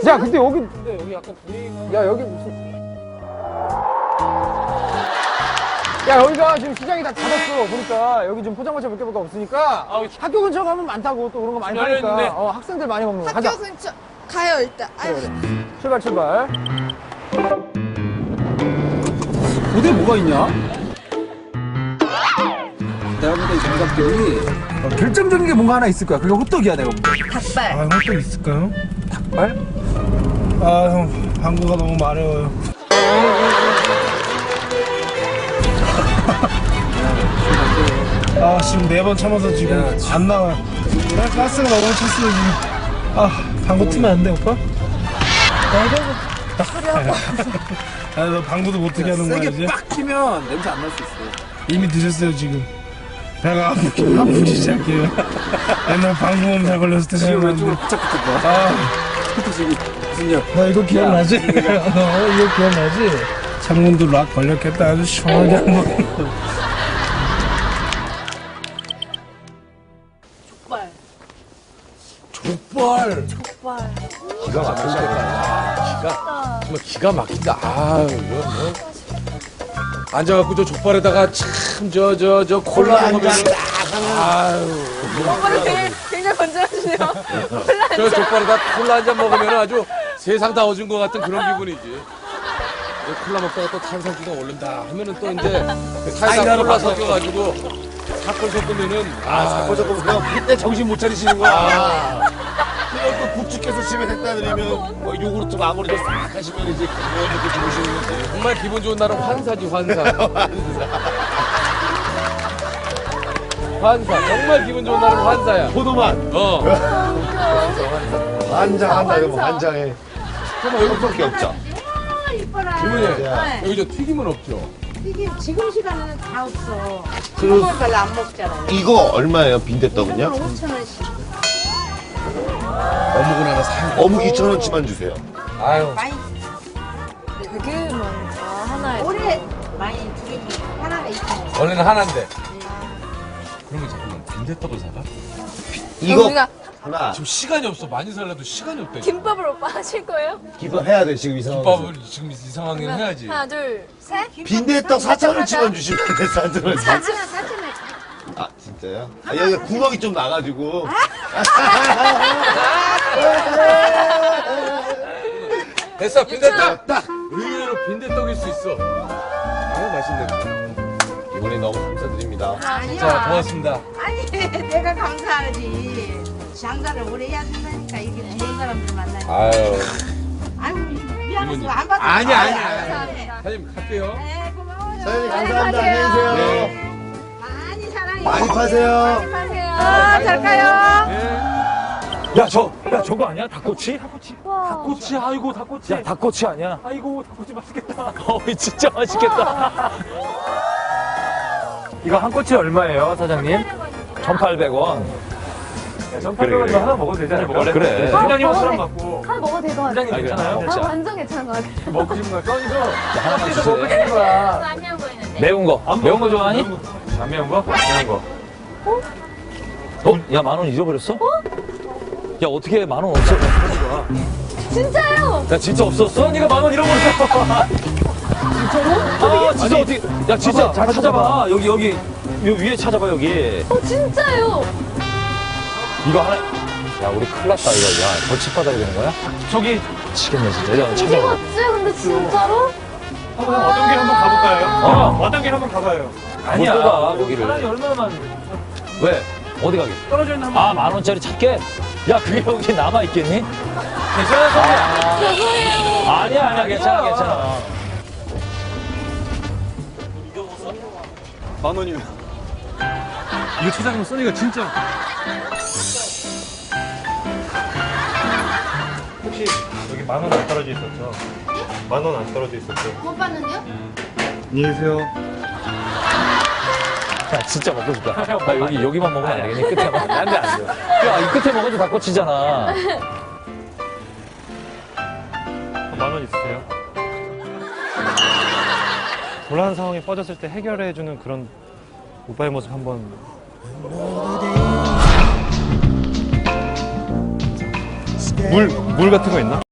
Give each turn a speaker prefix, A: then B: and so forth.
A: 야, 근데 여기 약간 분위기가. 야, 여기 무슨. 야, 여기가 지금 시장이 다 닫았어. 보니까 여기 좀 포장마차 몇 개밖에 없으니까. 학교 근처 가면 많다고 또 그런 거 많이 파니까. 학생들 많이 먹는 거. 가자.
B: 학교 근처 가요 일단. 아이고.
A: 출발. 어디에 뭐가 있냐? 내가 보다 이 정답들이 결정적인 게 뭔가 하나 있을 거야. 그게 호떡이야, 내가 보다.
B: 닭발.
C: 아, 호떡 있을까요?
A: 닭발?
C: 아, 형, 한국어가 너무 마려워요. 아, 지금 4번 참아서 지금 안 나와요. 가스가 너무 찼어요, 지금. 아, 방구 트면 안 돼, 오빠? 아, 너 방구도 못 트게 하는 거야, 이제?
A: 세게 빡 키면 냄새 안 날 수 있어.
C: 이미 드셨어요, 지금. 배가 아프기 시작해요. 옛날 방구 몸살 걸렸을 때
A: 지금
C: 생각나는데.
A: 왼쪽으로 부착부착 봐.
C: 아,
A: 지금 무슨 일?
C: 너 이거 기억나지? 너 이거 기억나지? 창문도 락 걸렸겠다. 아주 시원하게 한 번.
A: 족발.
D: 기가 막힌다. 정말 기가 막힌다. 아유, 이거 뭐. 앉아갖고 저 족발에다가 참 저 콜라 먹으면 아유.
B: 오빠는 굉장히 건전하시네요.
D: 저 족발에다 콜라 한 잔 먹으면 아주 세상 다 얻은 것 같은 그런 기분이지. 콜라 먹다가 또 탄산수가 오른다 하면은 또 이제 사이다 콜라 섞여가지고 사골 섞으면은
E: 사건 섞으면 그냥 그때 정신 못 차리시는 거야. 그냥 또 북측해서 집에 됐다 드리면 뭐 요구르트 아무리도 싹 하시면 이제 그거 이렇게 주무시는 거지.
D: 정말 기분 좋은 날은 환사지 환사. 환사. 정말 기분 좋은 날은 환사야.
E: 포도만 환장한다 이러면 환장해.
D: 정말 여기
E: 그밖에 없죠.
D: 기분이 여기 저 튀김은 없죠.
F: 이게 지금 시간에는 다 없어.
E: 그-
F: 그걸 별로 안 먹잖아요.
E: 이거 얼마예요 빈대떡은요?
F: 5,000원씩.
D: 어묵은 하나 사.
E: 어묵 2,000원치만 주세요.
D: 아유.
F: 많이,
B: 되게 많다. 하나에.
F: 오래 많이 두개 하나가 2,000원.
D: 원래는 하나인데. 그러면 잠깐만 빈대떡을 사가?
E: 이거
B: 우리가
E: 하나
D: 지금 시간이 없어. 많이 살려도 시간이 없다.
B: 김밥을 오빠 하실 거예요?
E: 기도해야 돼 지금 이 상황에서.
D: 김밥을 지금 이 상황에는 해야지.
B: 하나, 둘, 셋.
E: 빈대떡 4,000원치만 주시면 돼 4,000원.
F: 4,000원.
E: 아 진짜요? 아, 여기 구멍이 좀 나가지고.
D: 됐어 빈대떡. 딱 의외로 빈대떡일 수 있어. 아유 맛있네.
E: 이번에 너무 감사드립니다.
F: 아니야.
D: 자 고맙습니다.
F: 아니, 내가 감사하지. 장사를 오래 해야 된다니까. 이게 좋은 사람들 만나니까.
D: 아유.
F: 아이고, 미안해서
D: 이모님.
F: 안 받아.
D: 아니야. 사장님 갈게요.
F: 네, 고마워요.
E: 사장님 감사합니다. 안녕히 계세요.
D: 네.
F: 많이 사랑해.
E: 많이 파세요.
B: 하세요.
F: 아, 잘 가요.
D: 네.
A: 야, 저거 아니야? 닭꼬치? 닭꼬치, 아이고, 닭꼬치. 야, 닭꼬치 아니야? 아이고, 닭꼬치 맛있겠다. 진짜 맛있겠다. 이거 한 꼬치 얼마예요, 사장님? 1,800원. 1,800원이면 하나 먹어도 되지 않을까? 그래. 사장님은 사람 맞고.
B: 하나 먹어도 될 것 같아요.
A: 사장님 괜찮아요?
B: 아, 완전 괜찮은 것 같아요.
A: 먹고 싶은 거 써니서
D: 하나만
A: 먹고
D: 주세요.
A: 싶은 거야.
B: 안녕 보이는데.
A: 매운 거. 매운 거 좋아하니? 안 매운 거? 매운 거. 야, 10,000원 잊어버렸어? 야, 어떻게 10,000원 없어?
B: 진짜요?
A: 야, 진짜 없었어? 네가 10,000원 잃어버렸어. 진짜로? 아, 진짜 어떻게. 야, 진짜 잘 찾아봐. 여기 위에 찾아봐, 여기.
B: 진짜요?
A: 이거 하나. 야, 우리 큰일 났다, 이거. 야, 벌칙 받아야 되는 거야? 저기. 미치겠네, 진짜. 야,
B: 이게
A: 찾아봐.
B: 맞지? 근데 진짜로?
C: 어떤 길 한번 가볼까요?
A: 어떤 길 한번 가봐요. 아니야, 못 가, 여기를. 사람이 얼마만. 왜? 어디 가게? 떨어져 있는 한 번. 10,000원짜리 찾게? 야, 그게 여기 남아있겠니? 괜찮아, 소리야.
B: 죄송해요.
A: 아니야, 괜찮아.
C: 10,000원이면. 이거 찾아가면 써니가 진짜. 혹시 여기 10,000원 안 떨어져 있었죠? 10,000원 안 떨어져 있었죠?
B: 오빠는요?
C: 안녕히 계세요.
A: 야, 진짜 먹고 싶다. 나 여기만 먹으면 안 되겠니? 끝에만. 안 돼. 야, 이 끝에 먹어도 닭꼬치잖아.
C: 10,000원 있으세요? 곤란한 상황에 빠졌을 때 해결해주는 그런 오빠의 모습 한번. 물 같은 거 있나?